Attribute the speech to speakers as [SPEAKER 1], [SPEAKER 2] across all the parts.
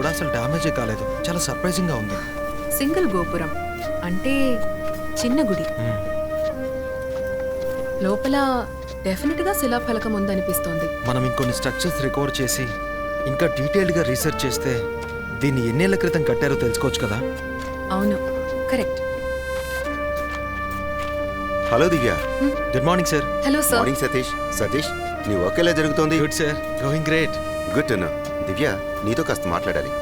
[SPEAKER 1] అసలు డ్యామేజే కాలేదు. చాలా సర్ప్రైజింగ్ గా ఉంది.
[SPEAKER 2] సింగిల్ గోపురం అంటే చిన్న గుడి. లోపల డెఫినెట్ గా శిలాఫలకం ఉందనిపిస్తోంది.
[SPEAKER 1] మనం ఇంకొన్ని స్ట్రక్చర్స్ రికవర్ చేసి ఇంకా డీటెయిల్డ్ గా రీసెర్చ్ చేస్తే దీన్ని ఎన్నేళ్ల క్రితం కట్టారో తెలుసుకోవచ్చు కదా.
[SPEAKER 2] అవును, correct.
[SPEAKER 3] Hello Divya.
[SPEAKER 1] Good morning sir.
[SPEAKER 2] Hello sir.
[SPEAKER 3] Morning Satish. Satish, నీ వర్క్ ఎలా జరుగుతోంది?
[SPEAKER 1] Good sir, going great.
[SPEAKER 3] Good to know. Divya, నీతో కాస్త మాట్లాడాలి.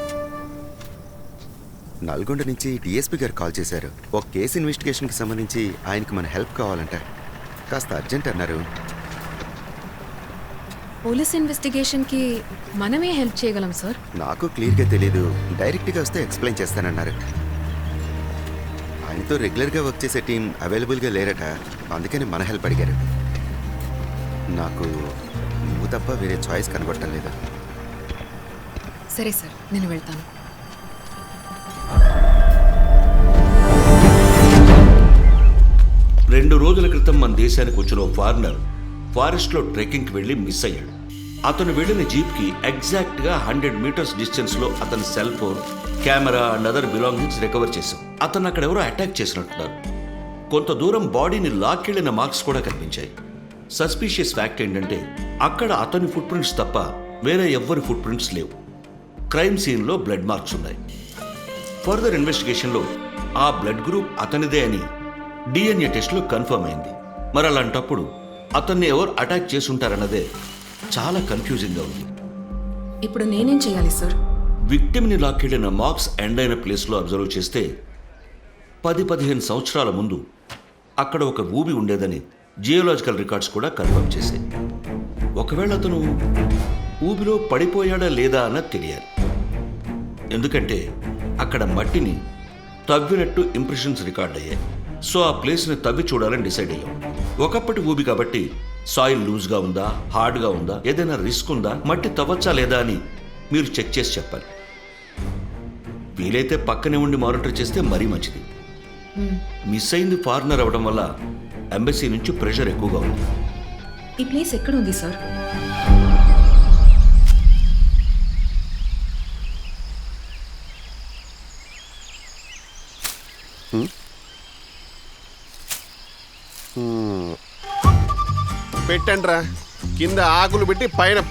[SPEAKER 3] నల్గొండ నుంచి డిఎస్పీ గారు కాల్ చేశారు. ఒక కేసు ఇన్వెస్టిగేషన్కి సంబంధించి ఆయనకి మన హెల్ప్ కావాలంట. కాస్త అర్జెంట్ అన్నారు.
[SPEAKER 2] పోలీస్ ఇన్వెస్టిగేషన్ కి మనమే హెల్ప్ చేయగలం సార్.
[SPEAKER 3] నాకు క్లియర్గా తెలీదు. డైరెక్ట్గా వస్తే ఎక్స్ప్లెయిన్ చేస్తానన్నారు. ఆయనతో రెగ్యులర్గా వర్క్ చేసే టీం అవైలబుల్గా లేరట. అందుకని మన హెల్ప్ అడిగారు. నాకు నువ్వు తప్ప వేరే చాయిస్ కనబడటం లేదు.
[SPEAKER 2] సరే సార్, నేను వెళ్తాను.
[SPEAKER 4] రెండు రోజుల క్రితం మన దేశానికి వచ్చిన ఓ ఫారినర్ ఫారెస్ట్లో ట్రెక్కింగ్కి వెళ్ళి మిస్ అయ్యాడు. అతను వెళ్ళిన జీప్కి ఎగ్జాక్ట్గా 100 మీటర్స్ డిస్టెన్స్లో అతని cell phone, camera and other belongings recover చేశాం. అతను అక్కడ ఎవరో అటాక్ చేసినట్టున్నారు. కొంత దూరం బాడీని లాక్కెళ్లిన మార్క్స్ కూడా కనిపించాయి. సస్పీషియస్ ఫ్యాక్ట్ ఏంటంటే అక్కడ అతని ఫుట్ ప్రింట్స్ తప్ప వేరే ఎవ్వరి ఫుట్ ప్రింట్స్ లేవు. క్రైమ్ సీన్లో బ్లడ్ మార్క్స్ ఉన్నాయి. ఫర్దర్ ఇన్వెస్టిగేషన్లో ఆ బ్లడ్ గ్రూప్ అతనిదే అని డిఎన్ఏ టెస్ట్లో కన్ఫర్మ్ అయింది. మరి అలాంటప్పుడు అతన్ని ఎవరు అటాక్ చేసుంటారన్నదే చాలా కన్ఫ్యూజింగ్గా ఉంది.
[SPEAKER 2] ఇప్పుడు నేనేం చేయాలి సార్?
[SPEAKER 4] విక్టిమ్ని లాక్కెళ్లిన మార్క్స్ ఎండ్ అయిన ప్లేస్లో అబ్జర్వ్ చేస్తే 10-15 సంవత్సరాల ముందు అక్కడ ఒక ఊబి ఉండేదని జియోలాజికల్ రికార్డ్స్ కూడా కన్ఫర్మ్ చేశాయి. ఒకవేళ అతను ఊబిలో పడిపోయాడా లేదా అన్నది తెలియాలి. ఎందుకంటే అక్కడ మట్టిని తవ్వినట్టు ఇంప్రెషన్స్ రికార్డ్ అయ్యాయి. సో ఆ ప్లేస్ని తవ్వి చూడాలని డిసైడ్ అయ్యాం. ఒకప్పటి ఊబి కాబట్టి సాయిల్ లూజ్గా ఉందా, హార్డ్గా ఉందా, ఏదైనా రిస్క్ ఉందా, మట్టి తవ్వచ్చా లేదా అని మీరు చెక్ చేసి చెప్పాలి. వీలైతే పక్కనే ఉండి మానిటర్ చేస్తే మరీ మంచిది. మిస్ అయింది ఫారినర్ అవ్వడం వల్ల ఎంబసీ నుంచి ప్రెషర్ ఎక్కువగా ఉంది.
[SPEAKER 2] ఈ ప్లేస్ ఎక్కడ ఉంది సార్?
[SPEAKER 5] పెట్టండి రా. కింద ఆకులు పెట్టి పైన